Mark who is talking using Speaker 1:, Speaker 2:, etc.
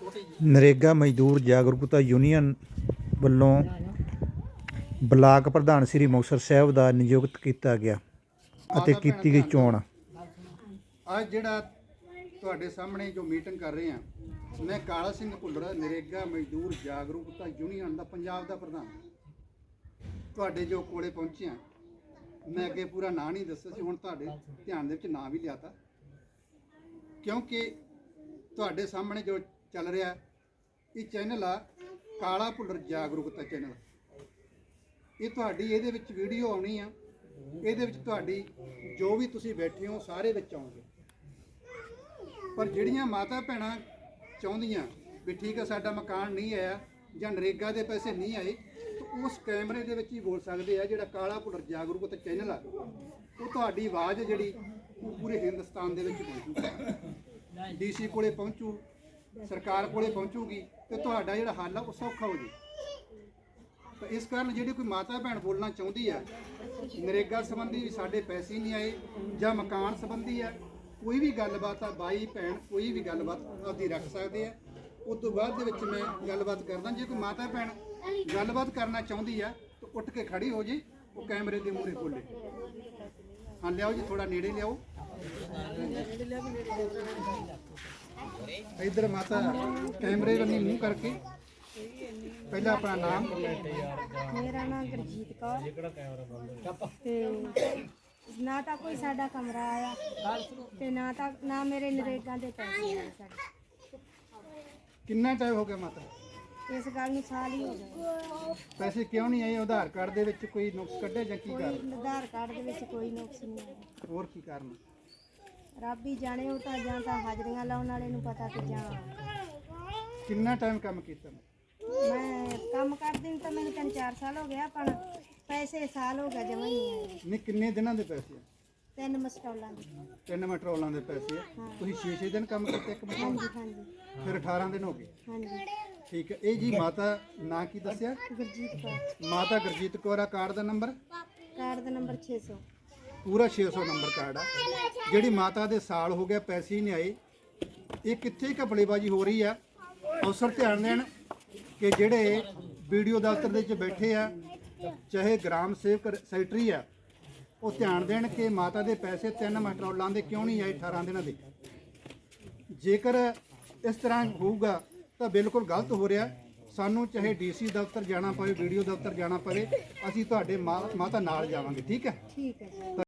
Speaker 1: ਨਰੇਗਾ ਮਜ਼ਦੂਰ ਜਾਗਰੂਕਤਾ ਯੂਨੀਅਨ ਵੱਲੋਂ ਬਲਾਕ ਪ੍ਰਧਾਨ ਸ੍ਰੀ ਮੁਕਤਸਰ ਸਾਹਿਬ ਦਾ ਨਿਯੁਕਤ ਕੀਤਾ ਗਿਆ ਅਤੇ ਕੀਤੀ ਗਈ ਚੋਣ।
Speaker 2: ਅੱਜ ਜਿਹੜਾ ਤੁਹਾਡੇ ਸਾਹਮਣੇ ਜੋ ਮੀਟਿੰਗ ਕਰ ਰਹੇ ਹਾਂ, ਮੈਂ ਕਾਲਾ ਸਿੰਘ ਭੁੱਲਰ, ਨਰੇਗਾ ਮਜ਼ਦੂਰ ਜਾਗਰੂਕਤਾ ਯੂਨੀਅਨ ਦਾ ਪੰਜਾਬ ਦਾ ਪ੍ਰਧਾਨ ਤੁਹਾਡੇ ਜੋ ਕੋਲੇ ਪਹੁੰਚਿਆ। ਮੈਂ ਅੱਗੇ ਪੂਰਾ ਨਾਂ ਨਹੀਂ ਦੱਸਿਆ ਸੀ, ਹੁਣ ਤੁਹਾਡੇ ਧਿਆਨ ਦੇ ਵਿੱਚ ਨਾਂ ਵੀ ਲਿਆਤਾ, ਕਿਉਂਕਿ ਤੁਹਾਡੇ ਸਾਹਮਣੇ ਜੋ ਚੱਲ ਰਿਹਾ ਇਹ ਚੈਨਲ ਆ ਕਾਲਾ ਭੁੱਲਰ ਜਾਗਰੂਕਤਾ ਚੈਨਲ। ਇਹ ਤੁਹਾਡੀ ਇਹਦੇ ਵਿੱਚ ਵੀਡੀਓ ਆਉਣੀ ਆ, ਇਹਦੇ ਵਿੱਚ ਤੁਹਾਡੀ ਜੋ ਵੀ ਤੁਸੀਂ ਬੈਠੇ ਹੋ ਸਾਰੇ ਵਿੱਚ ਆਉਣਗੇ। ਪਰ ਜਿਹੜੀਆਂ ਮਾਤਾ ਭੈਣਾਂ ਚਾਹੁੰਦੀਆਂ ਵੀ ਠੀਕ ਹੈ ਸਾਡਾ ਮਕਾਨ ਨਹੀਂ ਆਇਆ ਜਾਂ ਨਰੇਗਾ ਦੇ ਪੈਸੇ ਨਹੀਂ ਆਏ, ਤਾਂ ਉਸ ਕੈਮਰੇ ਦੇ ਵਿੱਚ ਹੀ ਬੋਲ ਸਕਦੇ ਆ। ਜਿਹੜਾ ਕਾਲਾ ਭੁੱਲਰ ਜਾਗਰੂਕਤਾ ਚੈਨਲ ਆ ਉਹ ਤੁਹਾਡੀ ਆਵਾਜ਼ ਜਿਹੜੀ ਉਹ ਪੂਰੇ ਹਿੰਦੁਸਤਾਨ ਦੇ ਵਿੱਚ ਪਹੁੰਚੂਗੀ, ਡੀਸੀ ਕੋਲੇ ਪਹੁੰਚੂ, ਸਰਕਾਰ ਕੋਲੇ ਪਹੁੰਚੂਗੀ ਤੇ ਤੁਹਾਡਾ ਜਿਹੜਾ ਹੱਲ ਆ ਉਹ ਸੌਖਾ ਹੋ ਜੇ। ਤਾਂ ਇਸ ਕਾਰਨ ਜਿਹੜੀ ਕੋਈ ਮਾਤਾ ਭੈਣ ਬੋਲਣਾ ਚਾਹੁੰਦੀ ਆ ਨਰੇਗਾ ਸੰਬੰਧੀ ਵੀ ਸਾਡੇ ਪੈਸੇ ਨਹੀਂ ਆਏ ਜਾਂ ਮਕਾਨ ਸੰਬੰਧੀ ਆ, ਕੋਈ ਵੀ ਗੱਲਬਾਤ ਆ, ਬਾਈ ਭੈਣ ਕੋਈ ਵੀ ਗੱਲਬਾਤ ਆਪਦੀ ਰੱਖ ਸਕਦੇ ਆ। ਉਸ ਤੋਂ ਬਾਅਦ ਦੇ ਵਿੱਚ ਮੈਂ ਗੱਲਬਾਤ ਕਰਦਾ। ਜੇ ਕੋਈ ਮਾਤਾ ਭੈਣ ਗੱਲਬਾਤ ਕਰਨਾ ਚਾਹੁੰਦੀ ਆ ਤਾਂ ਉੱਠ ਕੇ ਖੜੀ ਹੋ ਜੇ, ਉਹ ਕੈਮਰੇ ਦੇ ਮੂਹਰੇ ਬੋਲੇ। ਹਾਂ ਲਿਆਓ ਜੀ, ਥੋੜਾ ਨੇੜੇ ਲਿਆਓ। इधर माता कैमरे वाली मुंह करके पहला अपना नाम।
Speaker 3: मेरा नाम गुरजीत कौर ते ना तो कोई साडा कमरा आया ते ना मेरे नरेगा दे पैसे आए साडे।
Speaker 2: कितना टाइम हो गया माता
Speaker 3: इस गल नूं साल ही हो गया।
Speaker 2: पैसे क्यों नहीं आए? आधार कार्ड दे विच कोई नुक्स कड्ढे जां की कारण?
Speaker 3: आधार कार्ड दे विच कोई नुक्स नहीं आया।
Speaker 2: और की कारण?
Speaker 3: रब ही जाने, वो तो जां तां हाजरियां लाउण वाले नूं पता ते जां।
Speaker 2: कितना टाइम काम कीता?
Speaker 3: मैं काम करदी तो मैंने 3-4 साल हो गया, पर पैसे साल हो गया जमा ही नहीं आए।
Speaker 2: नहीं किन्ने दिनां दे पैसे?
Speaker 3: 3 मस्टॉलां दे।
Speaker 2: 3 मटरोलां दे पैसे। तुसीं 6-6 दिन काम कीते एक महीने?
Speaker 3: हाँ जी
Speaker 2: फिर 18 दिन हो गए।
Speaker 3: हाँ जी
Speaker 2: ठीक है। ये जी माता ना की दस्सिया?
Speaker 3: गुरजीत कौर।
Speaker 2: माता गुरजीत कौर आ। कार्ड दा नंबर?
Speaker 3: कार्ड दा नंबर 600
Speaker 2: पूरा 600 नंबर कार्ड आ। ਜਿਹੜੀ ਮਾਤਾ ਦੇ ਸਾਲ ਹੋ ਗਿਆ ਪੈਸੇ ਹੀ ਨਹੀਂ ਆਏ, ਇਹ ਕਿੱਥੇ ਘਪਲੇਬਾਜ਼ੀ ਹੋ ਰਹੀ ਆ। ਅਫਸਰ ਧਿਆਨ ਦੇਣ ਕਿ ਜਿਹੜੇ ਵੀਡੀਓ ਦਫ਼ਤਰ ਦੇ ਵਿੱਚ ਬੈਠੇ ਆ, ਚਾਹੇ ਗ੍ਰਾਮ ਸੇਵਕ ਸੈਕਟਰੀ ਆ, ਉਹ ਧਿਆਨ ਦੇਣ ਕਿ ਮਾਤਾ ਦੇ ਪੈਸੇ 3 ਮਟਰੋਲਾਂ ਦੇ ਕਿਉਂ ਨਹੀਂ ਆਏ 18 ਦਿਨਾਂ ਦੇ। ਜੇਕਰ ਇਸ ਤਰ੍ਹਾਂ ਹੋਊਗਾ ਤਾਂ ਬਿਲਕੁਲ ਗਲਤ ਹੋ ਰਿਹਾ। ਸਾਨੂੰ ਚਾਹੇ ਡੀਸੀ ਦਫ਼ਤਰ ਜਾਣਾ ਪਵੇ, ਵੀਡੀਓ ਦਫ਼ਤਰ ਜਾਣਾ ਪਵੇ, ਅਸੀਂ ਤੁਹਾਡੇ ਮਾਤਾ ਨਾਲ ਜਾਵਾਂਗੇ। ਠੀਕ ਹੈ?
Speaker 3: ठीक है।